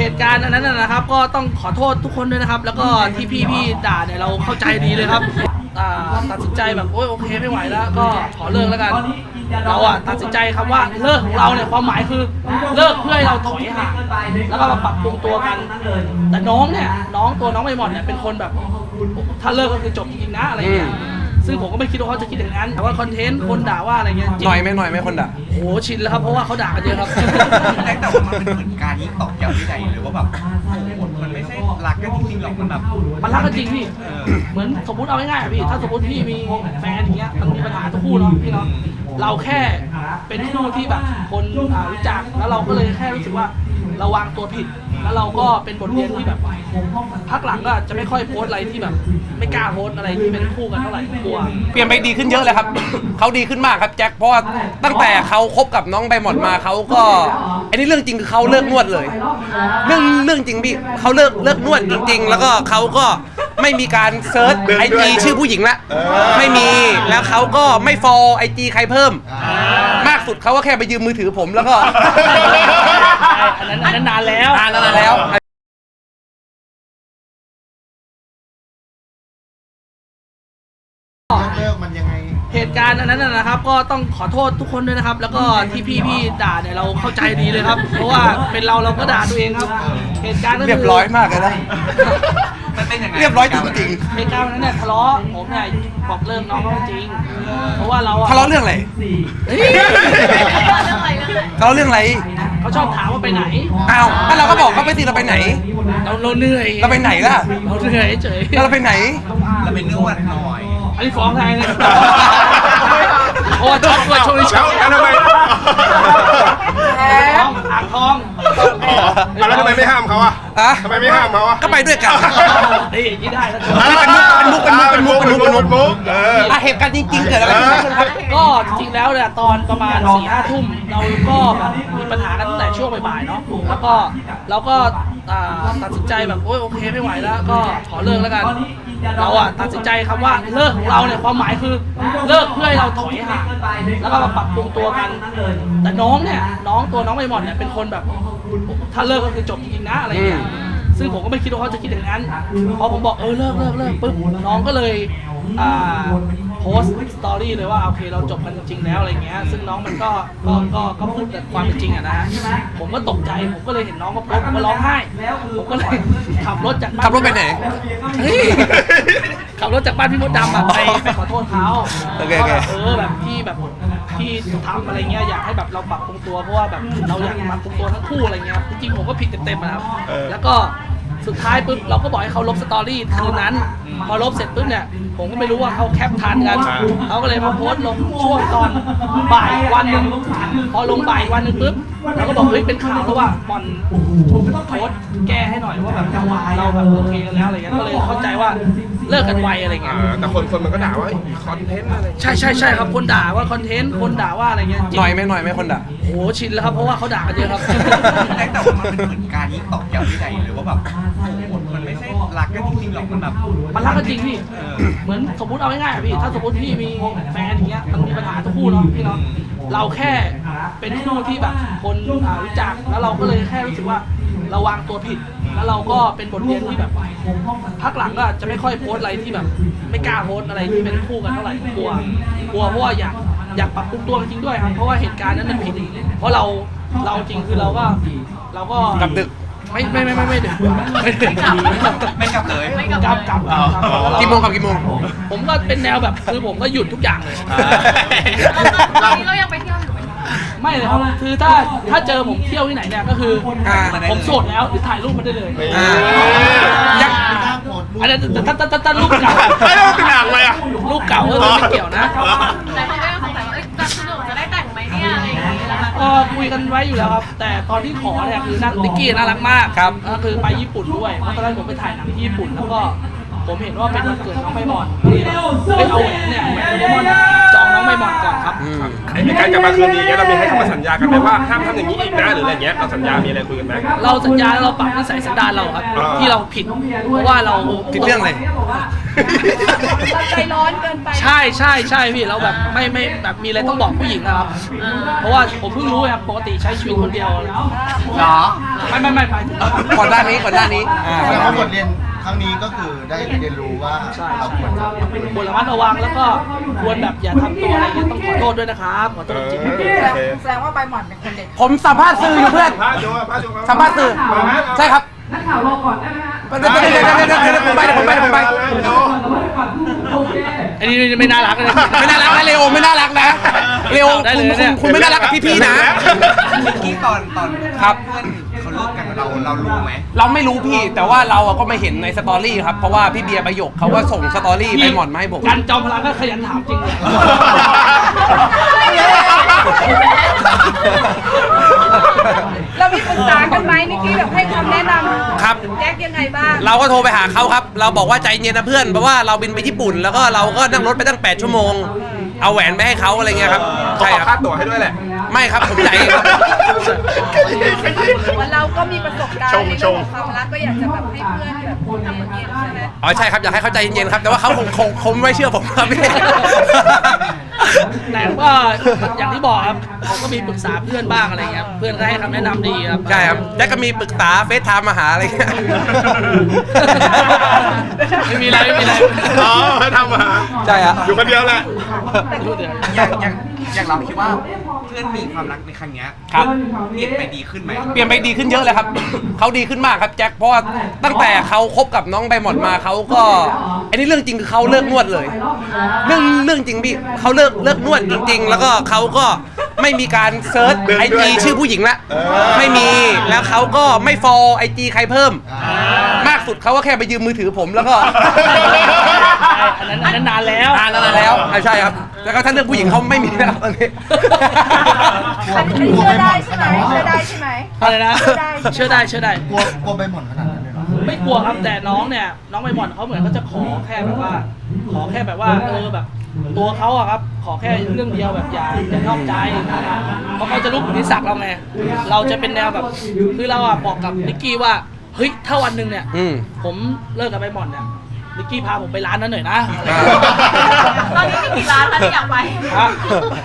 เหตุการณ์อันนั้นนะครับ ก็ต้องขอโทษทุกคนด้วยนะครับ แล้วก็ที่พี่ด่าเนี่ยเราเข้าใจดีเลยครับตัดสินใจแบบโอเคไม่ไหวแล้วก็ขอเลิกแล้วกันเราตัดสินใจคำว่าเลิกของเราเนี่ยความหมายคือเลิกเพื่อให้เราถอยห่างแล้วก็มาปรับปรุงตัวกันแต่น้องตัวน้องใบหม่อนเนี่ยเป็นคนแบบถ้าเลิกก็คือจบจริงๆนะอะไรเงี้ยซึ่งผมก็ไม่คิดว่าเขาจะคิดอย่างนั้นแต่ว่าคอนเทนต์คนด่าว่าอะไรเงี้ยหน่อยไหมคนด่าโอ้ชินแล้วครับเพราะว่าเขาด่ากันเยอะครับแต่ว่ามันเป็นเหมือนการยิ่งตอกย้ำที่ใดหรือว่าแบบมันไม่ใช่รักกันจริงๆหรอกมันแบบมันรักกันจริงพี่เหมือนสมมติเอาง่ายๆพี่ถ้าสมมติพี่มีแฟนอย่างเงี้ยมันมีปัญหาทุกคู่เนาะพี่เนาะเราแค่เป็นคู่ที่แบบคนรู้จักแล้วเราก็เลยแค่รู้สึกว่าเราวางตัวผิดแล้วเราก็เป็นบทเรียนที่แบบพักหลังก็จะไม่ค่อยโพสอะไรที่แบบไม่กล้าโพสอะไรที่เป็นคู่กันเท่าไหร่กลัวเปลี่ยนไปดีขึ้นเยอะเลยครับ เขาดีขึ้นมากครับแจ็คเพราะว่าตั้งแต่เขาคบกับน้องใบหมอนมาเขาก็อันนี้เรื่องจริงคือเขาเลิกนวดเลยเรื่องจริงพี่เขาเลิกนวดจริงๆแล้วก็เขาก็ไม่มีการเซิร์ชIG ชื่อผู้หญิงละไม่มีแล้วเขาก็ไม่ฟอลIG ใครเพิ่มมากสุดเขาก็แค่ไปยืมมือถือผมแล้วก็อันนั้นนานแล้วเลิกมันยังไงเหตุการณ์อันนั้นนะครับ ก็ต้องขอโทษทุกคนด้วยนะครับ แล้วก็ที่พี่ด่าเนี่ยเราเข้าใจดีเลยครับ เพราะว่าเป็นเราก็ด่าตัวเองครับเหตุการณ์ก็คือเรียบร้อยมากเลยนะมันเป็นยังไงเรียบร้อยจริงเหตุการณ์นั้นเนี่ยทะเลาะผมเนี่ยบอกเลิกน้องเขาจริงเพราะว่าเราทะเลาะเรื่องอะไรทะเลาะเรื่องอะไรเขาชอบถามว่าไปไหนอ้าวถ้าเราก็บอกเขาไปสิเราไปไหนเราเหนื่อยเราไปไหนล่ะเราเหนื่อยเฉยเราไปไหนเราเป็นนวดหน่อยอันนี้ฟ้องไงเนี่ยโอ้ช็อตกว่าช่วยแล้วทำไมอ่างทองแล้วทำไมไม่ห้ามเขาทำไมไม่ห้ามเขาก็ไปด้วยกันนี่อย่างนี้ได้แล้วเป็นมุกเหตุการณ์จริงๆเกิดอะไรขึ้นครับก็จริงๆแล้วเนี่ยตอนประมาณ 4-5 ทุ่มเราก็แบบมีปัญหากันตั้งแต่ช่วงบ่ายๆเนาะแล้วก็เราก็ตัดสินใจแบบโอเคไม่ไหวแล้วก็ขอเลิกแล้วกันเราตัดสินใจคำว่าเลิกของเราเนี่ยความหมายคือเลิกเพื่อให้เราถอยห่างแล้วก็มาปรับปรุงตัวกันแต่ตัวน้องใบหม่อนเนี่ยเป็นคนแบบถ้าเลิกก็คือจบจริงๆนะอะไรเงี้ยซึ่งผมก็ไม่คิดว่าเขาจะคิดอย่างนั้นพอผมบอกเลิกปุ๊บน้องก็เลยโพสต์สตอรี่เลยว่าโอเคเราจบกันจริงแล้วอะไรเงี้ยซึ่งน้องมันก็พูดแต่ความเป็นจริงนะฮะผมก็ตกใจผมก็เลยเห็นน้องก็โพสต์ผมก็ร้องไห้ผมก็เลยขับรถไปไหนขับรถจากบ้านพี่มดดำไปขอโทษเขาแบบที่ทำอะไรเงี้ยอยากให้แบบเราปรับปรุงตัวเพราะว่าแบบเราอยากปรับปรุงตัวทั้งคู่อะไรเงี้ยจริงๆผมก็ผิดเต็มๆนะครับแล้วก็สุดท้ายปุ๊บเราก็บอกให้เขาลบสตอรี่คืนนั้นพอลบเสร็จปุ๊บเนี่ยผมก็ไม่รู้ว่าเขาแคปทันกันเขาก็เลยมาโพสต์ลงช่วงตอนบ่ายวันนึงพอลงบ่ายวันนึงปุ๊บเราก็บอกเฮ้ยเป็นข่าวแล้วว่าบอลโพสต์แก้ให้หน่อยว่าแบบเราแบบโอเคกันแล้วอะไรเงี้ยก็เลยเข้าใจว่าเลิกกันไวอะไรเงี้ยแต่คนมันก็ด่าว่าคอนเทนต์อะไรใช่ครับคนด่าว่าคอนเทนต์คนด่าว่าอะไรเงี้ยหน่อยไหมคนด่าโอ้ชินแล้วครับเพราะว่าเขาด่ากันเยอะครับแต่ว่ามันเป็นเหมือนการยิ่งตอกย้ำที่ใดหรือว่าแบบมันไม่ใช่รักกันจริงๆหรอกมันแบบมันรักกันจริงพี่เหมือนสมมติเอาง่ายๆพี่ถ้าสมมติพี่มีแฟนอย่างเงี้ยมันมีปัญหาทุกคู่เนาะพี่เนาะเราแค่เป็นคู่ที่แบบคนรู้จักแล้วเราก็เลยแค่รู้สึกว่าเราวางตัวผิดแล้วเราก็เป็นบทเรียนที่แบบพักหลังก็จะไม่ค่อยโพสอะไรที่แบบไม่กล้าโพสอะไรที่เป็นคู่กันเท่าไหร่กลัวเพราะว่าอยากปรับปรุงตัวจริงด้วยครับเพราะว่าเหตุการณ์นั้นมันผิดเพราะเราจริงคือเราก็กลับดึกไม่ดึกไม่กลับเลยกลับกี่โมงผมก็เป็นแนวแบบคือผมก็หยุดทุกอย่างเลยตอนนี้เรายังไปเที่ยวอยู่ไหมไม่เลยครับคือถ้าเจอผมเที่ยวที่ไหนเนี่ยก็คือผมโสดแล้วถ่ายรูปมาได้เลยอันนั้นถ้ารูปเก่าเป็นหนังเลยรูปเก่าก็ไม่เกี่ยวนะแต่เขาก็ยังสงสัยว่าจะสนุกจะได้แต่งไหมเนี่ยอะไรอย่างเงี้ยคุยกันไว้อยู่แล้วครับแต่ตอนที่ขอเนี่ยคือติ๊กกี้น่ารักมากก็คือไปญี่ปุ่นด้วยเพราะตอนแรกผมไปถ่ายหนังที่ญี่ปุ่นแล้วก็ผมเห็นว่าเป็นวันเกิดน้องใบหม่อนเอาแหวนเนี่ยแหวนโดเรมอนจองน้องใบใบหม่อนก่อนครับไอ้การกลับมาคืนดีเงี้ยเรามีให้คำสัญญากันไหมว่าห้ามทำอย่างนี้อีกนะหรืออะไรเงี้ยเราสัญญามีอะไรคุยกันไหมเราสัญญาแล้วเราปรับนิสัยสันดานเราครับ ที่เราผิดเพราะว่าเราผิดเรื่องอะไรใจร้อนเกินไปใช่พี่เราแบบไม่แบบมีอะไรต้องบอกผู้หญิงนะครับ เพราะว่าผมเพิ่งรู้ครับปกติใช้ชีวิตคนเดียวเหรอไม่ไปถึงก่อนหน้านี้แสดงว่าบทเรียนครั้งนี้ก็คือได้เรียนรู้ว่าเราควรจะควรระมัดระวังแล้วก็ควรแบบอย่าทำตัวอะไรเงี้ยต้องขอโทษด้วยนะครับขอโทษจริงๆแสดงว่าใบหม่อนเป็นคนเด็ดผมสัมภาษณ์สื่ออยู่เพื่อนพาดูพาดูสัมภาษณ์สื่อใช่ครับนักข่าวรอก่อนได้ไหมฮะเดี๋ยวผมไปอันนี้ไม่น่ารักเลยไม่น่ารักนะเลโอไม่น่ารักนะเลโอคุณไม่น่ารักกับพี่ๆนะเมื่อกี้ตอนครับเพื่อนเขาเลิกกันเรารู้ไหมเราไม่รู้พี่แต่ว่าเราก็ไม่เห็นในสตอรี่ครับเพราะว่าพี่เบียร์ประโยคเขาก็ส่งสตอรี่ไปหมอนมาให้ผมกันจอมพลังก็ขยันถามจริงเลยเรามีปรึกษากันไหมนิกกี้แบบให้คำแนะนำครับแจ็คยังไงบ้างเราก็โทรไปหาเขาครับ เราบอกว่าใจเย็นนะเพื่อนเพราะว่าเราบินไปญี่ปุ่น แล้วก็เราก็นั่งรถไปตั้ง8 ชั่วโมง เอาแหวนไปให้เขาอะไรเงี้ยครับเขาใช่ขอครับค่าตั๋วให้ด้วยแหละไม่ครับผมใจายเองครับว่าเราก็มีประสบการณ์ในเรื่องของความรักก็อยากจะแบบให้เพื่อนแบบทำเหมือนเย็นใช่ไหมอ๋อใช่ครับอยากให้เขาใจเย็นๆครับแต่ว่าเขาคงไม่เชื่อผมครับพี่แต่ก็อย่างที่บอกครับผมก็มีปรึกษาเพื่อนบ้างอะไรเงี้ยเพื่อนก็ให้คำแนะนำดีครับใช่ครับแจ็คก็มีปรึกษาเฟซไทม์มาหาอะไรเงี้ยไม่มีอะไรอ๋อให้ทำมาใช่ฮะอยู่คนเดียวแหละอย่างเราคิดว่าเพื่อนมีความรักในครั้งเนี้ยครับเปลี่ยนไปดีขึ้นไหมเปลี่ยนไปดีขึ้นเยอะเลยครับ เขาดีขึ้นมากครับแจ็คเพราะว่าตั้งแต่เขาคบกับน้องใบหมอนมาเขาก็อันนี้เรื่องจริงคือเขาเลิกนวดเลย เรื่องจริงพี่เขาเลิกนวดจริง ๆ แล้วก็เขาก็ไม่มีการเซิร์ชเดินไอด้วยจีชื่อผู้หญิงละเออไม่มีแล้วเขาก็ไม่ฟอลไอจีใครเพิ่ม มากสุดเขาก็แค่ไปยืมมือถือผมแล้วก็อันนั้นนานแล้วนานแล้วใช่ครับ แล้วก็ถ้าเรื่องผู้หญิงเขาไม่มีแล้วตอนนี้อันนี้เชื่อได้ใช่ไหมเชื่อได้ใช่ไหมอะไรนะเชื่อได้กลัวใบหม่อนขนาดนั้นเลยเหรอไม่กลัวครับแต่น้องเนี่ยน้องใบหม่อนเขาเหมือนเขาจะขอแค่แบบว่าแบบตัวเขาอะครับขอแค่เรื่องเดียวแบบอย่านอกใจเพราะเขาจะรู้ผลนิสัยเราไงเราจะเป็นแนวแบบคือเราอะบอกกับนิกกี้ว่าเฮ้ยถ้าวันหนึ่งเนี่ย ผมเลิกกับใบหม่อนเนี่ยนิกกี้พาผมไปร้านนั้นหน่อยนะตอนนี้มีกี่ร้านคะที่อยากไปฮะ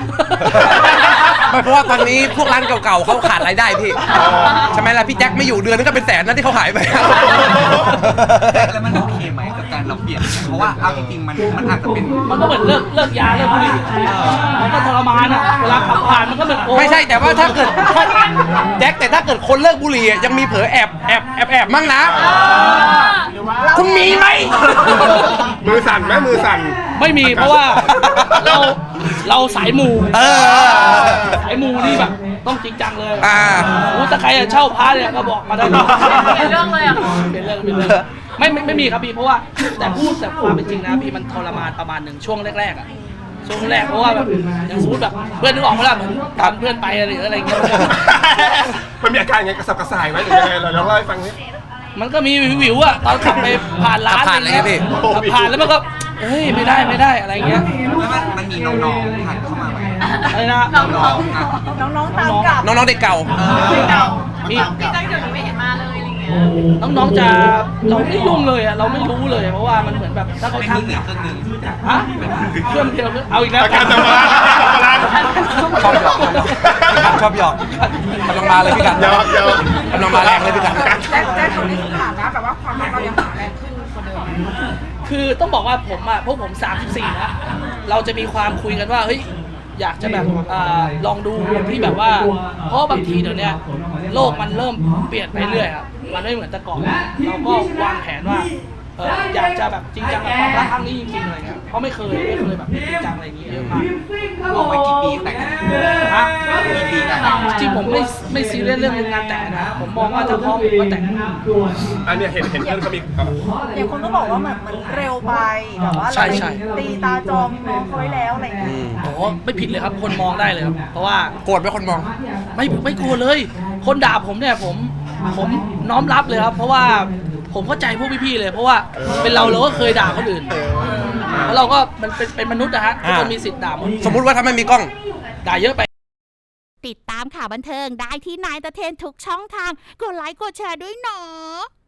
ไม่เพราะว่าตอนนี้พวกร้านเก่าๆเขาขาดรายได้พี่ใช่ไหมล่ะพี่แจ็คไม่อยู่เดือนนึงก็เป็นแสนนะที่เขาหายไปแล้วมันโอเคไหมกับการเราเปลี่ยน เพราะว่าเอาจริงๆมันอาจจะเป็นมันก็เหมือนเลิกยาเลิกบุหรี่มันก็ทรมานอะเวลาขับผ่านมันก็เหมือนโอ้ไม่ใช่แต่ว่าถ้าเกิดแจ็คแต่ถ้าเกิดคนเลิกบุหรี่อะยังมีเผลอแอบมั่งนะ คุณมีไหมมือสั่นไหมมือสั่นไม่มีเพราะว่าเราสายมู สายมูนี่แบบต้องจริงจังเลยถ้าใครจะเช่าพาร์ทเนี่ยก็บอกมาได้เปลี่ยนเรื่องเลยอ่ะเป็นเรื่องไม่มีครับพี่เพราะว่าแต่พูดแต่ความเป็นจริงนะพี่มันทรมานประมาณหนึ่งช่วงแรกๆอ่ะช่วงแรกเพราะว่าแบบอย่างสมมติแบบเพื่อนนึกออกไหมล่ะเหมือนตามเพื่อนไปอะไรอย่างเงี้ยมันมีอาการยังไงกระสับกระส่ายไหมหรือยังไงเราลองเล่าให้ฟังนิดมันก็มีวิวๆอ่ะตอนขับไปผ่านร้านผ่านอะไรเงี้ยพี่ขับผ่านแล้วมันก็เฮ้ยไม่ได้อะไรเงี้ยแล้วมันมีน้องๆผ่านเข้ามาไหมอะไรนะน้องๆตามกลับน้องๆเด็กเก่ามีพี่แจ็คเดี๋ยวนี้ไม่เห็นมาเลยอะไรเงี้ยน้องๆจะเราไม่ยุ่งเลยอ่ะเราไม่รู้เลยเพราะว่ามันเหมือนแบบถ้าเขาเป็นทักมือถือเครื่องหนึงฮะเครื่องเดียวเอาอีกแล้วอาการจะมาชอบหยอกกำลังมาเลยพี่กันเดี๋ยวกำลังมาแรงเลยพี่กันแจ็คตรงนี้สถานะแบบว่าความรักเรายังหาแรงขึ้นกว่าเดิมคือต้องบอกว่าผมอ่ะพวกผม34นะเราจะมีความคุยกันว่าเฮ้ยอยากจะแบบลองดูที่แบบว่าเพราะบางทีเดี๋ยวนี้โลกมันเริ่มเปลี่ยนไปเรื่อยครับมันไม่เหมือนแต่ก่อนเราก็วางแผนว่าอยากจะแบบจริงจังกับความรักครั้งนี้จริงๆอะไรเงี้ยเพราะไม่เคยแบบจริงจังอะไรอย่างเงี้ยเยอะมากบอกไว้กี่ปีแต่งฮะกี่ปีแต่งจริงผมไม่ซีเรียสเรื่องงานแต่งนะผมมองว่าถ้าพร้อมผมก็แต่งอันเนี้ยเห็นเพื่อนเขามีอย่างคนก็บอกว่ามันเร็วไปแบบว่าเราตีตาจองน้องเขาไว้แล้วอะไรเงี้ยโอ้ไม่ผิดเลยครับคนมองได้เลยครับเพราะว่าโกรธไหมคนมองไม่กลัวเลย คนด่าผมเนี่ยผมน้อมรับเลยครับ เพราะว่าผมเข้าใจพวกพี่ๆเลย เพราะว่าเป็นเราก็เคยด่าคนอื่นแล้วเราก็มันเป็นมนุษย์นะฮะทุกคนมีสิทธิ์ด่าหมดสมมุติว่าถ้าไม่มีกล้องด่าเยอะไปติดตามข่าวบันเทิงได้ที่นายตะเทนทุกช่องทางกดไลค์กดแชร์ด้วยเนาะ